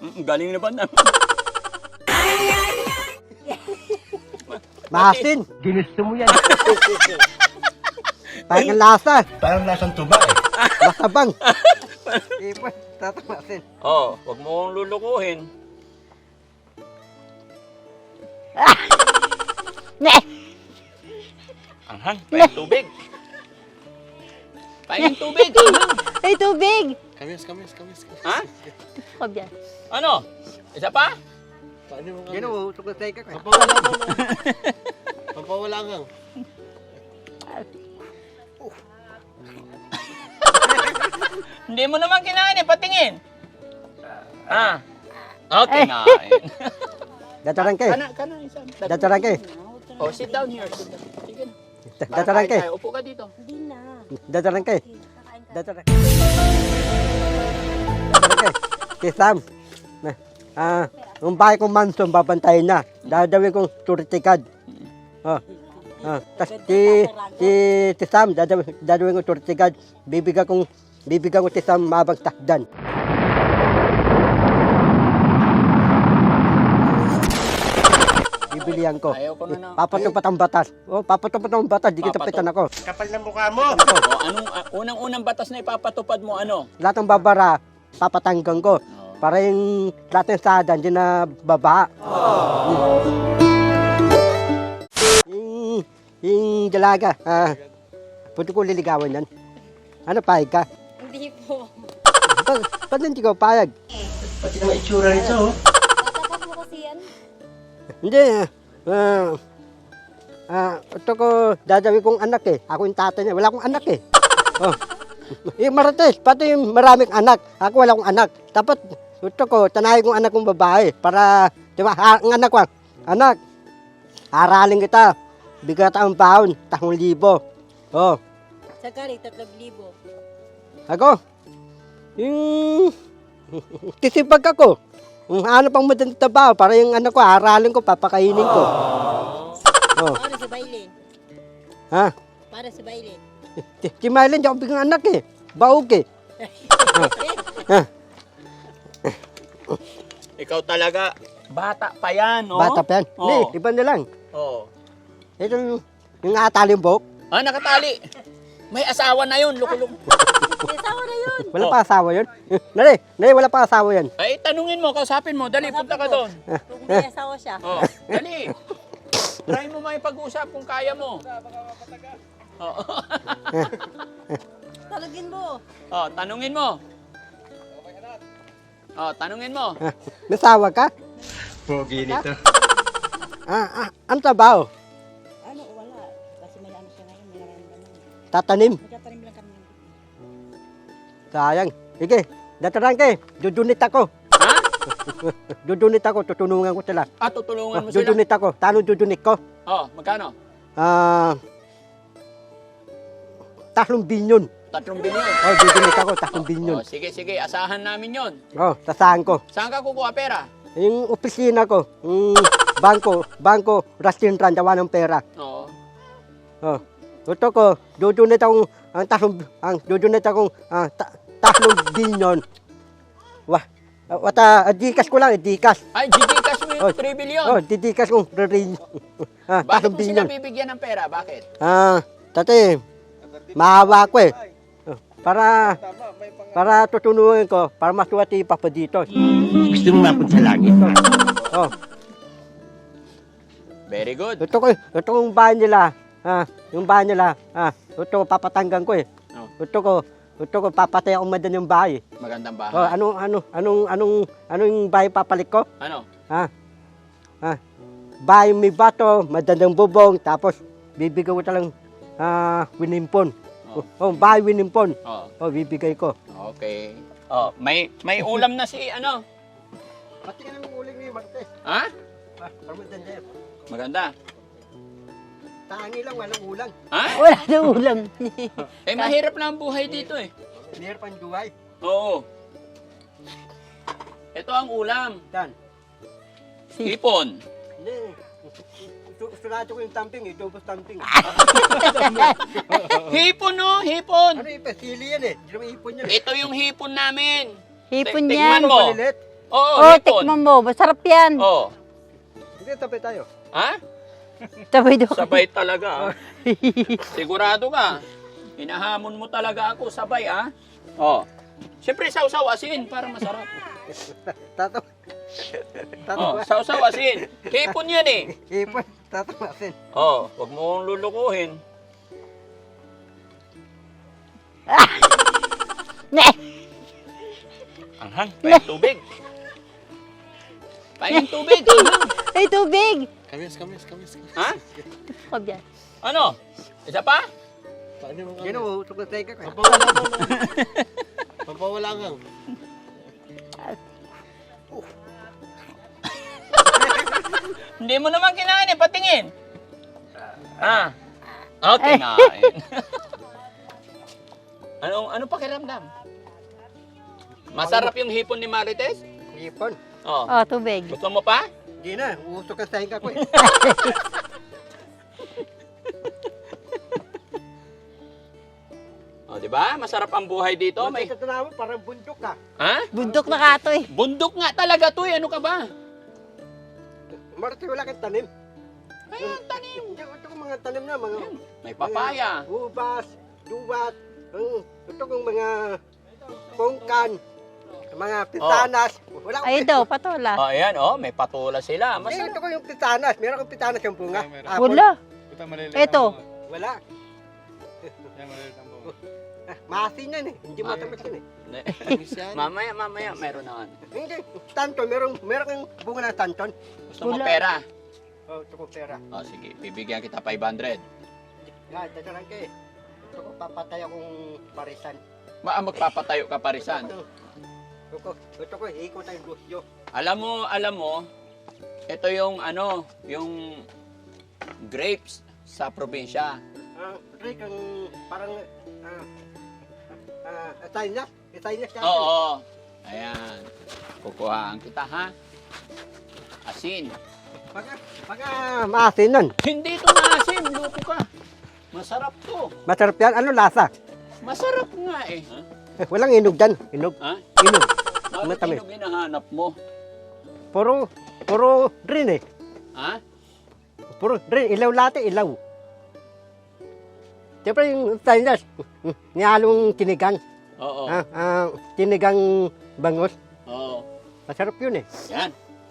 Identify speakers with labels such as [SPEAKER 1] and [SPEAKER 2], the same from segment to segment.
[SPEAKER 1] Galing na ba na?
[SPEAKER 2] Maasin.
[SPEAKER 3] Ginusto mo yan.
[SPEAKER 2] Parang ang lasa.
[SPEAKER 3] Parang lasang tuba eh.
[SPEAKER 2] Masabang. Ipon, tatamasin.
[SPEAKER 1] Oh, wag mo kong lulukuhin. Anghang, paing tubig. Paing tubig, anghang.
[SPEAKER 4] Ay, tubig!
[SPEAKER 3] Kamis.
[SPEAKER 1] Ha?
[SPEAKER 4] Huwag yan.
[SPEAKER 1] Ano? Isa pa?
[SPEAKER 3] Paano mo
[SPEAKER 2] Yan o, tukot tayo ka.
[SPEAKER 3] Papawala ka. Papawala ka.
[SPEAKER 1] Hindi mo naman kinain eh, patingin. Ah. Okay, kinain.
[SPEAKER 2] Datarang ka.
[SPEAKER 1] Kana, isa.
[SPEAKER 2] Datarang ka.
[SPEAKER 1] Oh, sit down here. Sit down. Sige na.
[SPEAKER 2] Datarang ka.
[SPEAKER 1] Tayo, upo ka dito.
[SPEAKER 4] Hindi na.
[SPEAKER 2] Datarang ka.
[SPEAKER 4] Kakain ka.
[SPEAKER 2] Datarang ka. Datarang ka. Si Sam. Yung bahay kong mansion, babantayin na. Dadawin kong security card. Tas si Sam, dadawin kong security card. Bibigyan ko si Sam mabang takdan. Bibilihan ko.
[SPEAKER 1] Ayaw ko na na.
[SPEAKER 2] Papatupat ang batas. Papatupat ang batas. Di kita
[SPEAKER 1] Papato-
[SPEAKER 2] pitan ako.
[SPEAKER 3] Kapal ng mukha mo.
[SPEAKER 1] Oh, anong unang-unang batas na ipapatupad mo ano?
[SPEAKER 2] Lahat ng babara, papatanggang ko. Para yung lahat ng sada, hindi na baba. Yung dalaga, pwede ko liligawan yan. Ano, payag ka?
[SPEAKER 4] Hindi po.
[SPEAKER 2] Ba't hindi ko payag?
[SPEAKER 3] Pati naman itsura nito oh.
[SPEAKER 4] Tatapat mo kasi yan.
[SPEAKER 2] Hindi, ito ko, dadawin kong anak eh. Ako yung tatay niya, wala akong anak eh. Yung Marites, pati yung maraming anak. Ako wala akong anak. Dapat, ito ko, tanahin kong anak kong babae. Para, di ba, ang anak ko, anak, aralin kita. Bigat ang baon, 3,000.
[SPEAKER 4] Sa kari, 3,000.
[SPEAKER 2] Ako, yung tisipag ako. Ano pang madang trabaho para yung anak ko, aralin ko, papakainin ko.
[SPEAKER 4] Para sa bailin.
[SPEAKER 2] Ha?
[SPEAKER 4] Para sa bailin.
[SPEAKER 2] Si Mylene, di ako biglang anak eh. Baog eh.
[SPEAKER 1] Ikaw talaga, bata pa yan, oh.
[SPEAKER 2] Bata pa yan.
[SPEAKER 1] Oh.
[SPEAKER 2] Hindi, iba na lang.
[SPEAKER 1] Oh.
[SPEAKER 2] Ito yung atali yung buhok.
[SPEAKER 1] Ah, nakatali. May asawa na yun, lukulong.
[SPEAKER 4] May asawa na yun.
[SPEAKER 2] Wala pa asawa yun. Nari, wala pa asawa yan.
[SPEAKER 1] Ay, tanungin mo, kausapin mo. Dali, punta ka doon.
[SPEAKER 4] Kung may asawa siya.
[SPEAKER 1] Oh, dali. Try mo may pag-usap kung kaya mo. Oh.
[SPEAKER 4] Talagin mo.
[SPEAKER 1] Oh, tanungin mo. Oh, tanungin mo.
[SPEAKER 2] May asawa ka?
[SPEAKER 3] Pogi nito.
[SPEAKER 2] Ano trabaho?
[SPEAKER 4] Ano, wala. Kasi may ano siya ngayon, may nararamdaman.
[SPEAKER 2] Tatanim.
[SPEAKER 4] Magtatanim lang kami.
[SPEAKER 2] Sayang. Sige, datarang ka eh. Dudunit ako.
[SPEAKER 1] Ha?
[SPEAKER 2] Dudunit ako, tutulungan ko sila.
[SPEAKER 1] Ah, tutulungan mo sila.
[SPEAKER 2] Dudunit ako. Tano dudunit ko?
[SPEAKER 1] Oh, magkano?
[SPEAKER 2] 3 bilyon.
[SPEAKER 1] 3 bilyon.
[SPEAKER 2] Dudunit ako, 3 bilyon.
[SPEAKER 1] Oh, sige, sige. Asahan namin yon.
[SPEAKER 2] Tasahan ko.
[SPEAKER 1] Saan ka kukuha pera?
[SPEAKER 2] Yung opisina ko, bangko, restaurant, dawa ng pera.
[SPEAKER 1] Oo.
[SPEAKER 2] Ito ko, dudunit akong, dudunit akong 3 bilyon. Dikas ko lang, dikas.
[SPEAKER 1] Ay, Gcash mo yung 3 bilyon.
[SPEAKER 2] Dikas kong rin. 3
[SPEAKER 1] Bakit mo sila
[SPEAKER 2] bilyon.
[SPEAKER 1] bibigyan ng pera? Bakit?
[SPEAKER 2] Tate, mahawa ko eh. Para tutunuin ko, para masuwati pa pa dito.
[SPEAKER 3] Gusto mo mapunta sa langit?
[SPEAKER 1] Very good.
[SPEAKER 2] Ito yung bahay nila. Yung bahay nila. Ito papatanggan ko eh. Ito ko papatay akong madan yung bahay.
[SPEAKER 1] Magandang bahay.
[SPEAKER 2] Anong bahay papalik ko?
[SPEAKER 1] Ano?
[SPEAKER 2] Bahay may bato, madandang bubong, tapos bibigay ko talang winimpon. Bahay winimpon. Bibigay ko.
[SPEAKER 1] Okay. Oh, may ulam na si ano?
[SPEAKER 2] Pati ang uling ni Martes.
[SPEAKER 1] Ha?
[SPEAKER 2] Parmadanda.
[SPEAKER 1] Maganda.
[SPEAKER 2] Tangi lang, walang ulang.
[SPEAKER 1] Ha?
[SPEAKER 4] Wala na ulam.
[SPEAKER 1] Eh, mahirap na ang buhay dito eh.
[SPEAKER 2] Meron pang duway.
[SPEAKER 1] Oo. Ito ang ulam.
[SPEAKER 2] Dan.
[SPEAKER 1] Hipon.
[SPEAKER 2] Hindi. Surado ko yung tamping, double tamping.
[SPEAKER 1] Hipon no, hipon.
[SPEAKER 2] Ano yung pasili yan eh? Hindi naman ipon yan eh.
[SPEAKER 1] Ito yung hipon namin.
[SPEAKER 4] Hipon
[SPEAKER 1] Tingnan
[SPEAKER 4] yan.
[SPEAKER 1] mo.
[SPEAKER 2] Palilit.
[SPEAKER 1] Oo,
[SPEAKER 4] Oh,
[SPEAKER 1] hipon.
[SPEAKER 4] tikman mo. Masarap yan.
[SPEAKER 1] Oo.
[SPEAKER 2] Hindi, tabi tayo.
[SPEAKER 1] Ha?
[SPEAKER 4] Sabay daw.
[SPEAKER 1] Sabay talaga. Sigurado ka. Hinahamon mo talaga ako, sabay Oh. Siyempre, sausaw asin para masarap.
[SPEAKER 2] Tato.
[SPEAKER 1] Oh, sausaw asin. Hipon yan eh.
[SPEAKER 2] Ipon. Tatamasin.
[SPEAKER 1] Oh, wag mo kong lulukuhin.
[SPEAKER 4] Ne!
[SPEAKER 1] Anghang, paing tubig. Paing tubig, anghang.
[SPEAKER 4] Ay, tubig!
[SPEAKER 3] Kamis.
[SPEAKER 1] Ha?
[SPEAKER 4] Kab yan.
[SPEAKER 1] Ano? Isa pa?
[SPEAKER 2] Yan o, usok na tayo ka.
[SPEAKER 3] Papawala ka.
[SPEAKER 1] Hindi mo naman kinain eh, patingin. Oh, kinain. ano pakiramdam? Masarap yung hipon ni Marites?
[SPEAKER 2] Ipon.
[SPEAKER 1] Oh.
[SPEAKER 4] Oh, tubig.
[SPEAKER 1] Gusto mo pa?
[SPEAKER 2] Hindi na, usok na tayo ka ko eh.
[SPEAKER 1] Oh, di ba? Masarap ang buhay dito.
[SPEAKER 2] May
[SPEAKER 1] May
[SPEAKER 2] tatanaw mo, parang bundok ka.
[SPEAKER 1] Ha?
[SPEAKER 4] Bundok na kato eh.
[SPEAKER 1] Bundok nga talaga 'to, eh. Ano ka ba?
[SPEAKER 2] Marati wala kang tanim.
[SPEAKER 1] Ay, ang tanim.
[SPEAKER 2] Hindi, ito kong mga tanim na, mga
[SPEAKER 1] May papaya.
[SPEAKER 2] ubas, duwat, ito kong mga pongkan, mga pitanas. Wala akong
[SPEAKER 4] Ay daw, patola.
[SPEAKER 1] Oh, ayan, oh, may patula sila.
[SPEAKER 2] Hindi,
[SPEAKER 1] Masarap.
[SPEAKER 2] ito ko yung pitanas. Meron akong pitanas yung bunga.
[SPEAKER 4] Wala. Ito.
[SPEAKER 2] Wala. Maasin yan eh. Hindi matamis yan eh.
[SPEAKER 1] Mamaya, meron na.
[SPEAKER 2] Hindi, tanton. Meron kang bunga ng tanton.
[SPEAKER 1] Gusto mo
[SPEAKER 4] Wala.
[SPEAKER 1] pera?
[SPEAKER 2] Oh, ito ko pera.
[SPEAKER 1] Oh, sige, bibigyan kita 500.
[SPEAKER 2] Yan, dadaran ka eh. Ito ko papatay akong parisan.
[SPEAKER 1] Magpapatayo ka parisan.
[SPEAKER 2] Ito ko, ikot tayong gusyo.
[SPEAKER 1] Alam mo, ito yung yung grapes sa probinsya.
[SPEAKER 2] Rick, ang parang Italian siya.
[SPEAKER 1] Oo. Ayan. Kukuhaan kita, ha? Asin.
[SPEAKER 2] Pagka maasin nun.
[SPEAKER 1] Hindi ito maasim, loko ka. Masarap to.
[SPEAKER 2] Masarap yan. Ano lasa?
[SPEAKER 1] Masarap nga eh.
[SPEAKER 2] Walang inog dyan. Inog.
[SPEAKER 1] Ha?
[SPEAKER 2] Inog.
[SPEAKER 1] Bakit
[SPEAKER 2] Matamis.
[SPEAKER 1] yung hinahanap mo?
[SPEAKER 2] Puro green eh.
[SPEAKER 1] Ha?
[SPEAKER 2] Puro green. Ilaw latte, ilaw. Siyempre yung Italian, nihalong kinigang.
[SPEAKER 1] Oo.
[SPEAKER 2] Kinigang bangos.
[SPEAKER 1] Oo.
[SPEAKER 2] Masarap yun eh.
[SPEAKER 1] Yan.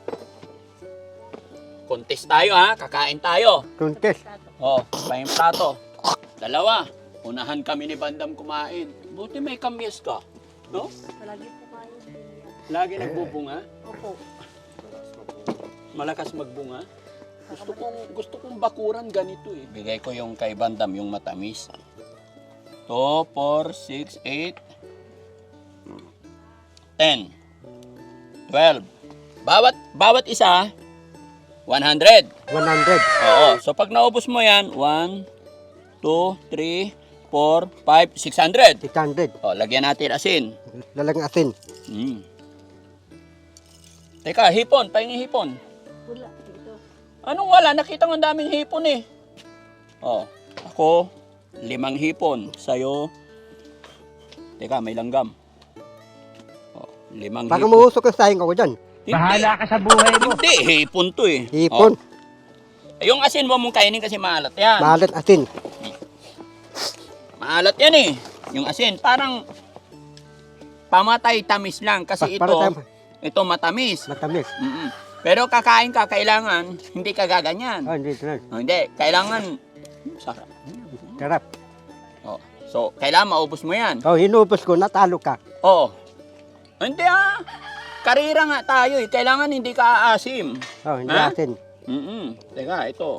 [SPEAKER 1] Contest tayo, ha? Kakain tayo.
[SPEAKER 2] Tuntes.
[SPEAKER 1] Oh, pahing plato. Dalawa. Unahan kami ni Bandam kumain. Buti may kamyas ka. No?
[SPEAKER 4] Lagi po kayo.
[SPEAKER 1] Lagi nagbubunga.
[SPEAKER 4] Opo.
[SPEAKER 1] Malakas magbunga. Gusto kong bakuran ganito eh. Bigay ko yung kay Bandam, yung matamis. 2, 4, 6, 8, 10, 12. Bawat isa, 100.
[SPEAKER 2] 100.
[SPEAKER 1] Oo. So pag naubos mo yan, 1, 2, 3, 4, 5, 600.
[SPEAKER 2] 600.
[SPEAKER 1] O, lagyan natin asin.
[SPEAKER 2] Lalang asin.
[SPEAKER 1] Teka, hipon. Pahingin hipon.
[SPEAKER 4] Wala. Dito.
[SPEAKER 1] Anong wala? Nakita ko ang daming hipon eh. O, ako, 5 hipon. Sa'yo, teka, may langgam. O, 5
[SPEAKER 2] Baka
[SPEAKER 1] hipon.
[SPEAKER 2] mausok ang sayang ako dyan.
[SPEAKER 1] Bahala ka sa buhay mo. Hindi, hipon to eh.
[SPEAKER 2] Hipon.
[SPEAKER 1] O, yung asin mo mong kainin kasi maalat yan.
[SPEAKER 2] Malat asin.
[SPEAKER 1] Maalat yan eh. Yung asin, parang pamatay tamis lang kasi ito matamis.
[SPEAKER 2] Matamis.
[SPEAKER 1] Pero kakain ka, kailangan hindi ka gaganyan.
[SPEAKER 2] Oh, hindi na.
[SPEAKER 1] Hindi, kailangan sarap.
[SPEAKER 2] Sarap.
[SPEAKER 1] Oh, so, kailangan maubos mo yan.
[SPEAKER 2] Oh, hinubos ko, natalo ka.
[SPEAKER 1] Oo. Hindi karira nga tayo eh. Kailangan hindi ka aasim.
[SPEAKER 2] Oh, hindi
[SPEAKER 1] Ha?
[SPEAKER 2] asin.
[SPEAKER 1] Teka, ito.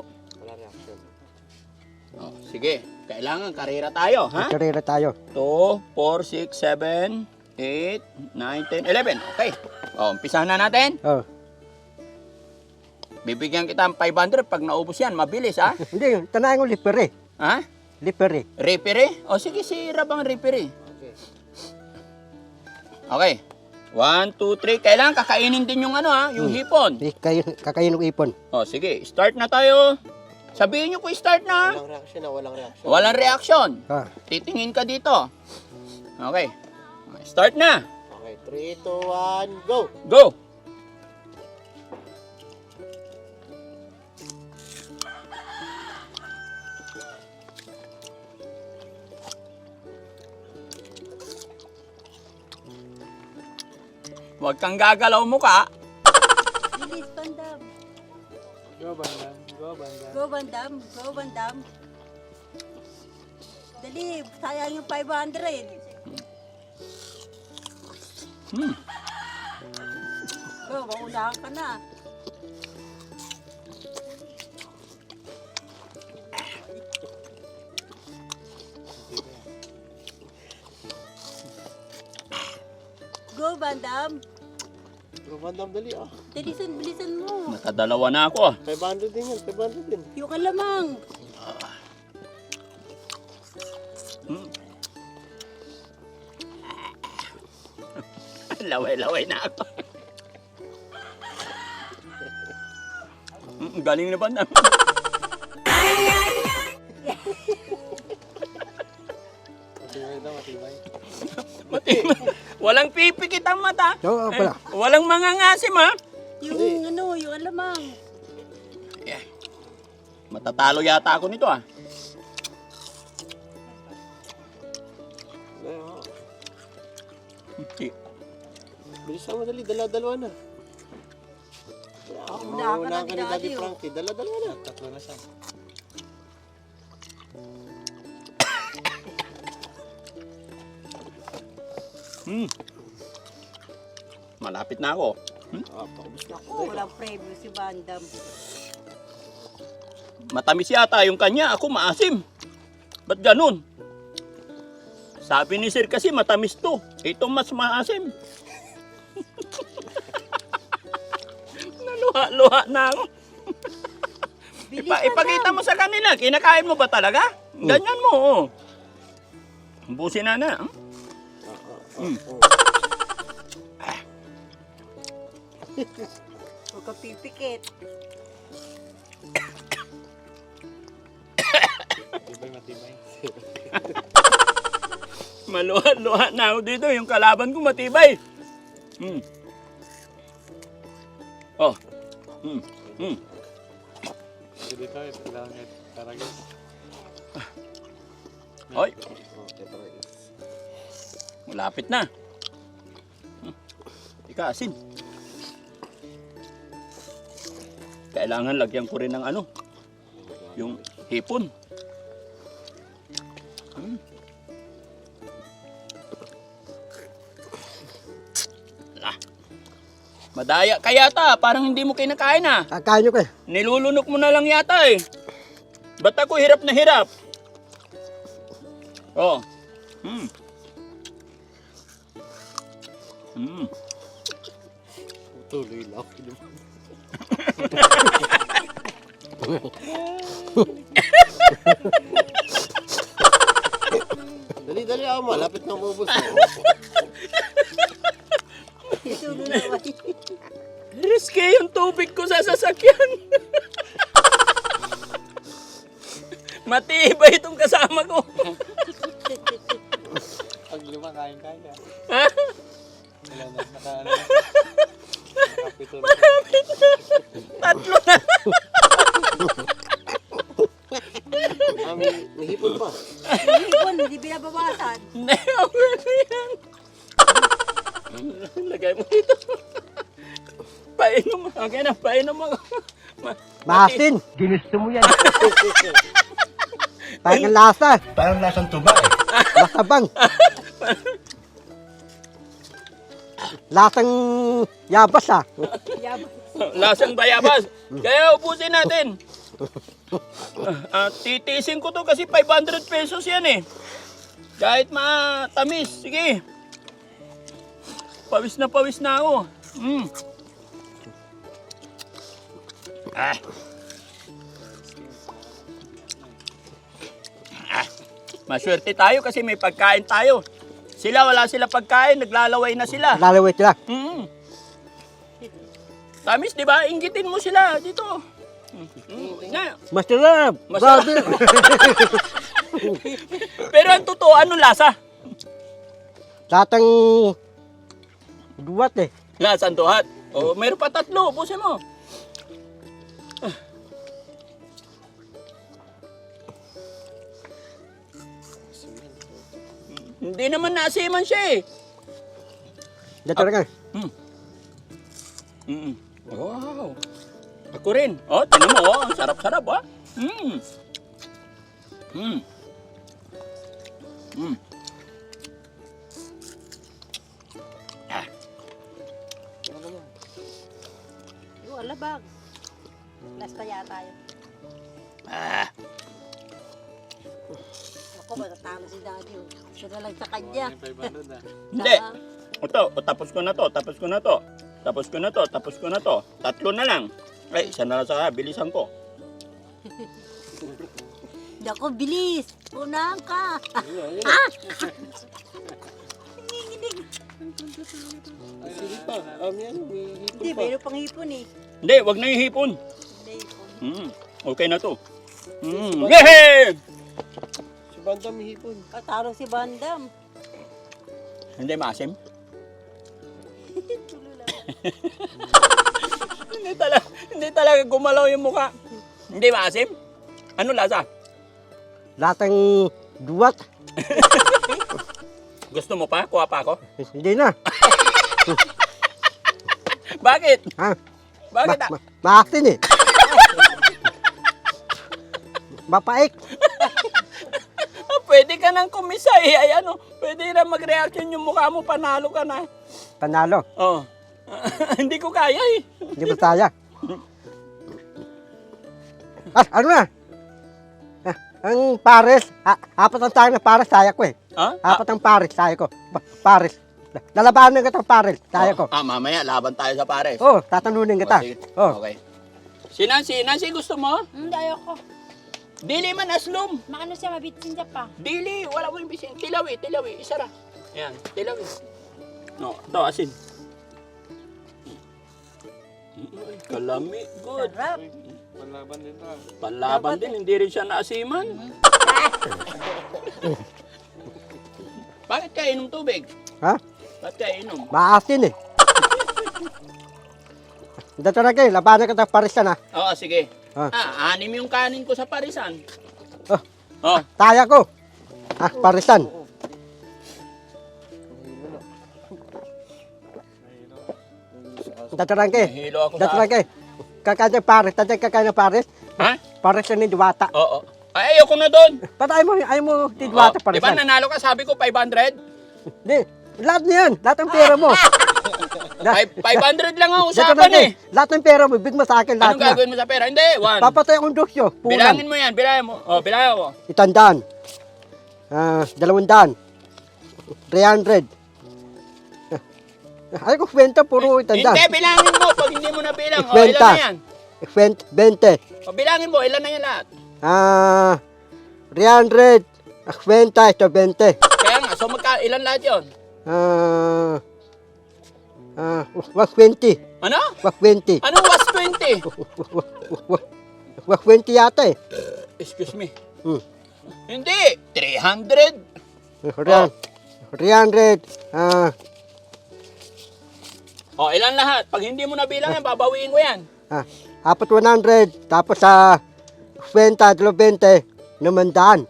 [SPEAKER 1] Oh, sige. Kailangan karira tayo, ha?
[SPEAKER 2] Karera tayo.
[SPEAKER 1] 2, 4, 6, 7, 8, 9, 10, 11. Okay. O, umpisahan na natin.
[SPEAKER 2] Oh.
[SPEAKER 1] Bibigyan kita ng 500 pag naubos yan. Mabilis, ha?
[SPEAKER 2] Hindi, tanahin ko lipere.
[SPEAKER 1] Ha?
[SPEAKER 2] Lipere.
[SPEAKER 1] Referee? O, sige, sira bang referee? Okay. 1, 2, 3. Kailangan kakainin din yung yung hipon.
[SPEAKER 2] Kakain ng ipon.
[SPEAKER 1] O, sige. Start na tayo. Sabihin nyo kung start na.
[SPEAKER 3] Walang reaction.
[SPEAKER 1] Walang reaction.
[SPEAKER 2] Ah.
[SPEAKER 1] Titingin ka dito. Okay. Start na.
[SPEAKER 3] Okay, 3, 2, 1, go!
[SPEAKER 1] Go! Huwag kang gagalaw mukha.
[SPEAKER 4] Bilis, Bandam.
[SPEAKER 3] Go, Bandam. Go, Bandam.
[SPEAKER 4] Go, Bandam. Go, Bandam. Dali, sayang yung 500. Go, maunahan ka na. Go, Bandam.
[SPEAKER 3] Go, Bandam, dali ah.
[SPEAKER 4] Bilisan mo.
[SPEAKER 1] Nakadalawa na ako.
[SPEAKER 3] 500 din yan, 500 din.
[SPEAKER 4] Yung kalamang.
[SPEAKER 1] Laway-laway na ako. Galing na ba na?
[SPEAKER 3] Matibay daw, matibay.
[SPEAKER 1] Walang pipikit ang mata.
[SPEAKER 2] Oo, pala.
[SPEAKER 1] Walang mangangasim ha.
[SPEAKER 4] Yung ano, yung alamang.
[SPEAKER 1] Matatalo yata ako nito ah.
[SPEAKER 3] Bilisan mo dali, dala-dalawa na.
[SPEAKER 4] Unahan ka na,
[SPEAKER 3] Maunahan ka ni Daddy
[SPEAKER 4] Daddy, oh.
[SPEAKER 3] Frankie, dala-dalawa na. Tatlo na siya.
[SPEAKER 1] Malapit na ako.
[SPEAKER 3] Paubos na ako.
[SPEAKER 4] Oh, walang preview si Bandam.
[SPEAKER 1] Matamis yata yung kanya, ako maasim. Ba't ganun? Sabi ni Sir kasi matamis to. Ito mas maasim. Naluha-luha na ako. Ipakita mo sa kanila, kinakain mo ba talaga? Ganyan mo, oh. Busin na na.
[SPEAKER 4] Huwag ka pipikit.
[SPEAKER 3] Matibay, matibay.
[SPEAKER 1] Maluha-luha na ako dito. Yung kalaban ko matibay. Oh.
[SPEAKER 3] Dito tayo, kailangan taragis.
[SPEAKER 1] Hoy. Malapit na. Ika, asin. Kailangan lagyan ko rin ng ano. Yung hipon. Madaya ka yata, parang hindi mo kinakain ah.
[SPEAKER 2] Kakain nyo kayo.
[SPEAKER 1] Nilulunok mo na lang yata eh. Ba't ako hirap na hirap? Oh.
[SPEAKER 3] Tuloy lang. Dali, dali ako, malapit na umubos.
[SPEAKER 4] Isulo na ba?
[SPEAKER 1] Riske yung tubig ko sa sasakyan. Matibay itong kasama ko.
[SPEAKER 3] Pag lima, kain-kaya.
[SPEAKER 1] Ha?
[SPEAKER 3] Wala na, naka-ano. Kapitulo.
[SPEAKER 1] Tatlo na.
[SPEAKER 3] May hipon pa.
[SPEAKER 4] Hipon, hindi binabawasan.
[SPEAKER 1] Hindi, okay na yan. Lagay mo dito. Painom. Okay na, painom ako.
[SPEAKER 2] Maasin.
[SPEAKER 3] Ginusto mo yan.
[SPEAKER 2] Parang ang lasa.
[SPEAKER 3] Parang lasang tuba eh.
[SPEAKER 2] Masabang. Lasang yabas ah.
[SPEAKER 1] Lasang bayabas. Kaya ubusin natin. Titiisin ko to kasi 500 pesos yan eh. Kahit matamis. Sige. Pawis na ako. Maswerte tayo kasi may pagkain tayo. Sila wala sila pagkain, naglalaway na sila.
[SPEAKER 2] Lalaway sila.
[SPEAKER 1] Tamis, di ba? Inggitin mo sila dito. Na.
[SPEAKER 2] Masarap.
[SPEAKER 1] Masarap.
[SPEAKER 2] Grabe.
[SPEAKER 1] Pero ang totoo, anong lasa?
[SPEAKER 2] Latang duwat eh.
[SPEAKER 1] Lasang tuhat. O, meron pa tatlo. Busin mo. Hindi naman nasiman siya eh.
[SPEAKER 2] Dito na ka.
[SPEAKER 1] Wow. Ako rin. Oh, tingnan mo. Oh, ang sarap-sarap, ah. Ah.
[SPEAKER 4] Yung alabag. Lasta yata yun.
[SPEAKER 1] Ah.
[SPEAKER 4] Ako, matatalo si Daddy. Siya na lang sa kanya.
[SPEAKER 3] Yung 500 ah.
[SPEAKER 1] Hindi. Ito, tapos ko na to. Tapos ko na to. Tatlo na lang. Ay, isa na lang sa bilisan ko.
[SPEAKER 4] Dako, bilis. Unahan ka.
[SPEAKER 3] Sige pa. Yan, may hipon
[SPEAKER 4] Hindi,
[SPEAKER 3] pa.
[SPEAKER 4] mayroon pang hipon eh.
[SPEAKER 1] Hindi, wag na yung hipon.
[SPEAKER 4] Hindi, hipon.
[SPEAKER 1] Okay na to. Yehey!
[SPEAKER 3] Si Bandam may hipon.
[SPEAKER 4] Taro si Bandam.
[SPEAKER 1] Hindi maasim.
[SPEAKER 4] Tulo lang.
[SPEAKER 1] Hindi talaga gumalaw yung mukha. Hindi maasim? Ano lasa?
[SPEAKER 2] Lasang duwat.
[SPEAKER 1] Gusto mo pa? Kuha pa ako?
[SPEAKER 2] Hindi na.
[SPEAKER 1] Bakit?
[SPEAKER 2] Ha?
[SPEAKER 1] Bakit?
[SPEAKER 2] Maasin eh. Mapaik.
[SPEAKER 1] Pwede ka nang kumisay. Ay ano, pwede na mag-reaction yung mukha mo. Panalo ka na.
[SPEAKER 2] Panalo.
[SPEAKER 1] Oh. Hindi ko kaya eh.
[SPEAKER 2] Hindi mo saya. Ano na? Ang pares. Apat ang tayo na pares, saya ko eh.
[SPEAKER 1] Ha?
[SPEAKER 2] Apat ang pares, saya ko. Pares. Lalabanan kita ng pares, saya ko.
[SPEAKER 1] Mamaya, laban tayo sa pares.
[SPEAKER 2] Oh, tatanunin kita.
[SPEAKER 1] Sige.
[SPEAKER 2] Oh.
[SPEAKER 1] Okay. Si Nancy gusto mo?
[SPEAKER 4] Hindi, ayoko.
[SPEAKER 1] Dili man aslom.
[SPEAKER 4] Maano siya, mabitsin siya pa.
[SPEAKER 1] Dili, wala mo yung bisin. Tilawi, isara. Ayan, tilawi. No, ito, asin. Ay, kalami, good.
[SPEAKER 4] Sarap.
[SPEAKER 3] Panlaban din to ah.
[SPEAKER 1] Panlaban din, hindi rin siya naasiman. Bakit ka inom tubig?
[SPEAKER 2] Ha?
[SPEAKER 1] Bakit ka inom?
[SPEAKER 2] Maasin eh. Dito na kayo, labanan kita ng pares na.
[SPEAKER 1] Oo, sige.
[SPEAKER 2] Ah.
[SPEAKER 1] Anim yung kanin ko sa parisan.
[SPEAKER 2] Oh,
[SPEAKER 1] Oh,
[SPEAKER 2] saya ko. Parisan. Dito na kayo.
[SPEAKER 1] hilo ako
[SPEAKER 2] Dito
[SPEAKER 1] sa...
[SPEAKER 2] na kayo. Kakain ng pares. Tatay kakain ng pares.
[SPEAKER 1] Ha?
[SPEAKER 2] Pares na ni Diwata.
[SPEAKER 1] Oo. Ay, ayoko na doon.
[SPEAKER 2] Ba't ayaw mo ni Diwata
[SPEAKER 1] Di
[SPEAKER 2] pares
[SPEAKER 1] ba nanalo ka? Sabi ko 500?
[SPEAKER 2] Hindi. Lahat na yan. Lahat ng pera mo.
[SPEAKER 1] 500 lang ang
[SPEAKER 2] Dito na
[SPEAKER 1] usapan
[SPEAKER 2] kayo.
[SPEAKER 1] eh.
[SPEAKER 2] Lahat ng pera mo. Big mo sa akin lahat
[SPEAKER 1] Anong
[SPEAKER 2] na.
[SPEAKER 1] gagawin mo sa pera? Hindi, 1.
[SPEAKER 2] Papatay akong dosyo. Punan.
[SPEAKER 1] Bilangin mo yan, bilangin mo. Oh, bilangin mo.
[SPEAKER 2] 100. 200. 300. Ay ko kwenta puro 100.
[SPEAKER 1] Hindi, bilangin mo. Pag hindi mo na bilang, oh, ilan na yan?
[SPEAKER 2] 20.
[SPEAKER 1] O, bilangin mo, ilan na yan lahat?
[SPEAKER 2] 300. Kwenta ito 20.
[SPEAKER 1] Kaya nga, so ilan lahat yun?
[SPEAKER 2] 120.
[SPEAKER 1] Ano?
[SPEAKER 2] 120.
[SPEAKER 1] Anong was 20?
[SPEAKER 2] 120 yata eh.
[SPEAKER 1] Excuse me.
[SPEAKER 2] Hmm.
[SPEAKER 1] Hindi, 300.
[SPEAKER 2] 300.
[SPEAKER 1] O, ilan lahat? Pag hindi mo na bilang yan, babawiin ko yan.
[SPEAKER 2] Apat 100. Tapos kwenta 20. Namandaan.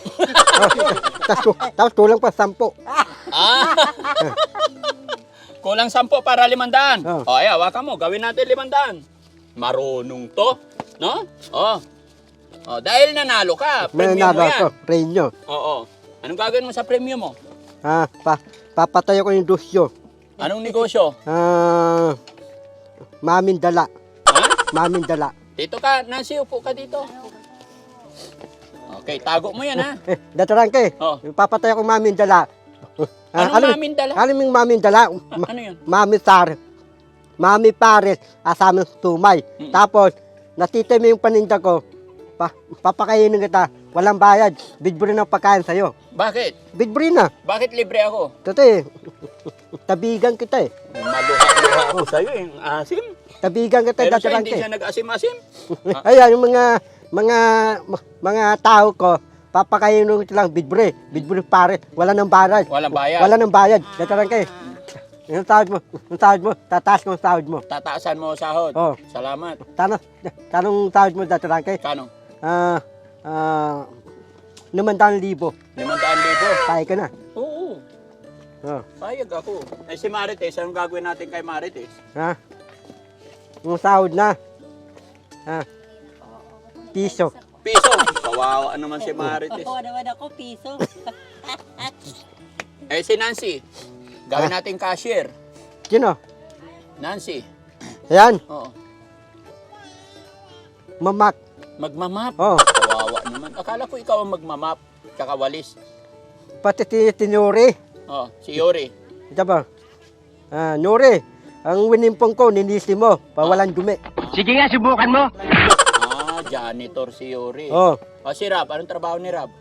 [SPEAKER 2] Tapos tulang pa 10.
[SPEAKER 1] Ah. Kulang 10 para 500.
[SPEAKER 2] Oh.
[SPEAKER 1] O, ay, hawakan mo. Gawin natin 500. Marunong to. No? O, dahil nanalo ka,
[SPEAKER 2] May
[SPEAKER 1] premium mo
[SPEAKER 2] nalo
[SPEAKER 1] yan.
[SPEAKER 2] ako. Premium.
[SPEAKER 1] Oo. Anong gagawin mo sa premium mo?
[SPEAKER 2] Papatay ko yung dosyo.
[SPEAKER 1] Anong negosyo?
[SPEAKER 2] Mamin dala.
[SPEAKER 1] Ha?
[SPEAKER 2] Mamin dala.
[SPEAKER 1] Dito ka, Nancy, upo ka dito. Okay, tago mo yan, ha?
[SPEAKER 2] Datarang kay.
[SPEAKER 1] Oh.
[SPEAKER 2] Papatay ako mamin dala.
[SPEAKER 1] Anong mamin dala?
[SPEAKER 2] Ano yung mamin dala?
[SPEAKER 1] Ano yun?
[SPEAKER 2] Mami Pares. Mami Pares. Asama ng tumay. Tapos, natitim yung paninda ko. Papakainin kita. Walang bayad. Bidburi ng pagkain sa'yo.
[SPEAKER 1] Bakit?
[SPEAKER 2] Bidburi na.
[SPEAKER 1] Bakit libre ako?
[SPEAKER 2] Totoo tabigan kita eh.
[SPEAKER 1] Maluha-luha ako sa'yo, eh. Asim.
[SPEAKER 2] Tabigan kita
[SPEAKER 1] Pero siya
[SPEAKER 2] datarang
[SPEAKER 1] hindi
[SPEAKER 2] kay.
[SPEAKER 1] siya nag-asim-asim.
[SPEAKER 2] Ayan, yung mga tao ko, papakainin ko lang bidburi. Bidburi pare. Wala nang bayad.
[SPEAKER 1] Walang bayad.
[SPEAKER 2] Wala nang bayad. Datarang kay. Yung sahod mo, tataas ko ang sahod mo.
[SPEAKER 1] Tataasan mo ang sahod.
[SPEAKER 2] Oh.
[SPEAKER 1] Salamat.
[SPEAKER 2] Tanong sahod mo datarang kay.
[SPEAKER 1] Kano?
[SPEAKER 2] 500,000.
[SPEAKER 1] 500,000.
[SPEAKER 2] Kaya ka na.
[SPEAKER 1] Oo.
[SPEAKER 2] Oh.
[SPEAKER 1] Payag ako. Eh si Marites, anong gagawin natin kay Marites?
[SPEAKER 2] Ha? Yung sahod na. Piso.
[SPEAKER 1] Piso. Kawawa naman si Marites.
[SPEAKER 4] Oo naman ako, piso.
[SPEAKER 1] Eh si Nancy, gawin natin cashier.
[SPEAKER 2] Sino?
[SPEAKER 1] Nancy.
[SPEAKER 2] Ayan,
[SPEAKER 1] Oo.
[SPEAKER 2] mamak.
[SPEAKER 1] Magmamap.
[SPEAKER 2] Oh,
[SPEAKER 1] Kawawa naman. Akala ko ikaw ang magmamap. Kakawalis.
[SPEAKER 2] pati tinuri.
[SPEAKER 1] Oh, si Yori.
[SPEAKER 2] Ito ba? Nuri, ang winimpong ko, ninisi mo, pawalan dumi.
[SPEAKER 5] Sige nga, subukan mo.
[SPEAKER 1] Janitor si Yori.
[SPEAKER 2] Oh,
[SPEAKER 1] Si Rab, anong trabaho ni Rab?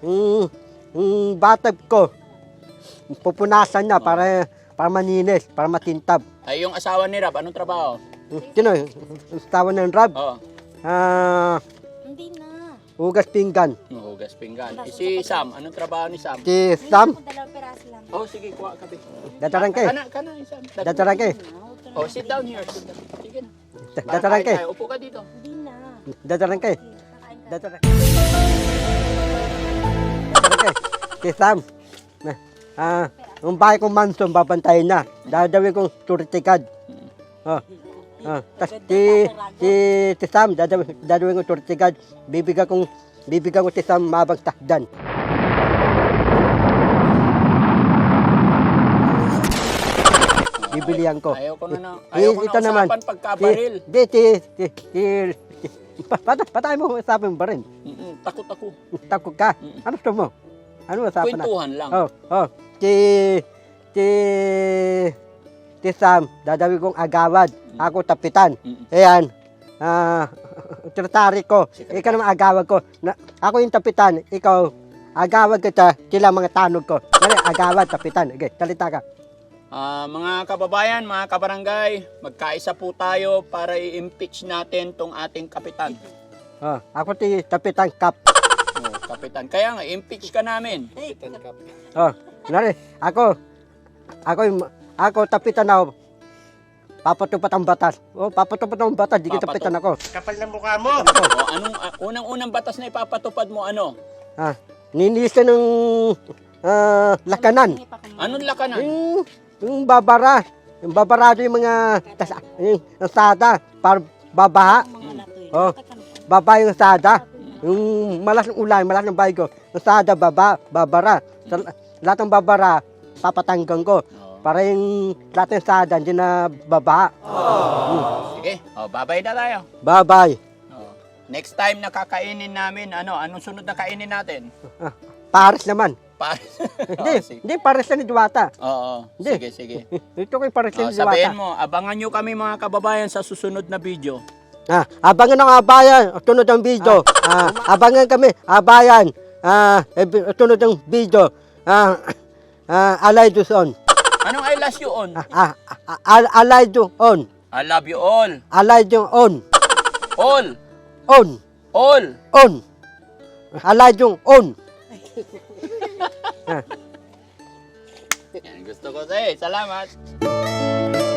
[SPEAKER 2] batag ko, pupunasan na para maninis, para matintab.
[SPEAKER 1] Ay, yung asawa ni Rab, anong trabaho?
[SPEAKER 2] Sino? Tawa ng rab.
[SPEAKER 1] Oo.
[SPEAKER 4] Hindi na.
[SPEAKER 2] Hugas pinggan.
[SPEAKER 1] Hugas pinggan. Si Sam, anong trabaho ni Sam?
[SPEAKER 2] Si Sam,
[SPEAKER 4] Dalawang piraso lang.
[SPEAKER 1] Oh, sige, kuha ka.
[SPEAKER 2] datarang kay.
[SPEAKER 1] Kana, Sam.
[SPEAKER 2] Datarang kay.
[SPEAKER 1] Oh, sit down here. Sit down. Sige na.
[SPEAKER 2] Datarang kay.
[SPEAKER 1] Upo ka dito.
[SPEAKER 4] Hindi na.
[SPEAKER 2] Datarang kay.
[SPEAKER 4] Kakain ka.
[SPEAKER 2] Datarang kay. Si Sam. Ang bahay kong mansion, babantayin na. Dadawin kong turtikad. Tas si Sam, dadawin kong turtikad. Bibigyan ko si Sam mabang takdan. Bibilihan ko.
[SPEAKER 1] Ayaw ko na
[SPEAKER 2] Ito naman.
[SPEAKER 1] usapan pagkabaril.
[SPEAKER 2] Patay mo usapan ba rin?
[SPEAKER 1] Takot ako.
[SPEAKER 2] Takot ka. Ano gusto mo? Ano usapan na?
[SPEAKER 1] Kwentuhan lang.
[SPEAKER 2] Si Sam, dadawin kong agawad. Ako tapitan.
[SPEAKER 1] Mm.
[SPEAKER 2] Ayan. Tratari ko. Ikaw naman agawad ko. Ako yung tapitan. Ikaw, agawad kita. Sila mga tanog ko. Dali, agawad, tapitan. Okay, salita ka.
[SPEAKER 1] Mga kababayan, mga kabarangay, magkaisa po tayo para i-impeach natin tong ating kapitan.
[SPEAKER 2] Ako si Tapitan Kap.
[SPEAKER 1] Kapitan. Kaya nga, impeach ka namin.
[SPEAKER 2] Nari, ako tapitan ako. Papatupat ang batas. Papatupat ang batas, di kita tapitan ako.
[SPEAKER 5] Kapal ng mukha mo.
[SPEAKER 1] Anong unang-unang batas na ipapatupad mo ano?
[SPEAKER 2] Ninisa ng lakanan.
[SPEAKER 1] Anong lakanan?
[SPEAKER 2] Yung babara. Yung babarado yung mga yung sada para babaha. Baba yung sada. Yung malas ng ulan, malas ng bahay ko. Yung sada, babara. Lahat ng babara, papatanggang ko. Para yung lahat ng sada, hindi na baba.
[SPEAKER 1] Sige, bye-bye na tayo.
[SPEAKER 2] Bye-bye.
[SPEAKER 1] Next time na kakainin namin, anong sunod na kainin natin?
[SPEAKER 2] Paris naman.
[SPEAKER 1] Paris.
[SPEAKER 2] Hindi, Paris na ni Diwata.
[SPEAKER 1] Oo,
[SPEAKER 2] Hindi.
[SPEAKER 1] sige.
[SPEAKER 2] Ito ko yung Paris na ni Diwata.
[SPEAKER 1] Sabihin mo, abangan nyo kami mga kababayan sa susunod na video.
[SPEAKER 2] Abangan ng abayan, tunod ang video. Abangan kami, abayan. Tunod ang video. Alay on.
[SPEAKER 1] Anong I love you on?
[SPEAKER 2] Alay on.
[SPEAKER 1] I love you all.
[SPEAKER 2] Alay on.
[SPEAKER 1] All.
[SPEAKER 2] On.
[SPEAKER 1] All.
[SPEAKER 2] On. Alay on.
[SPEAKER 1] Yan, gusto ko sa'yo. Salamat.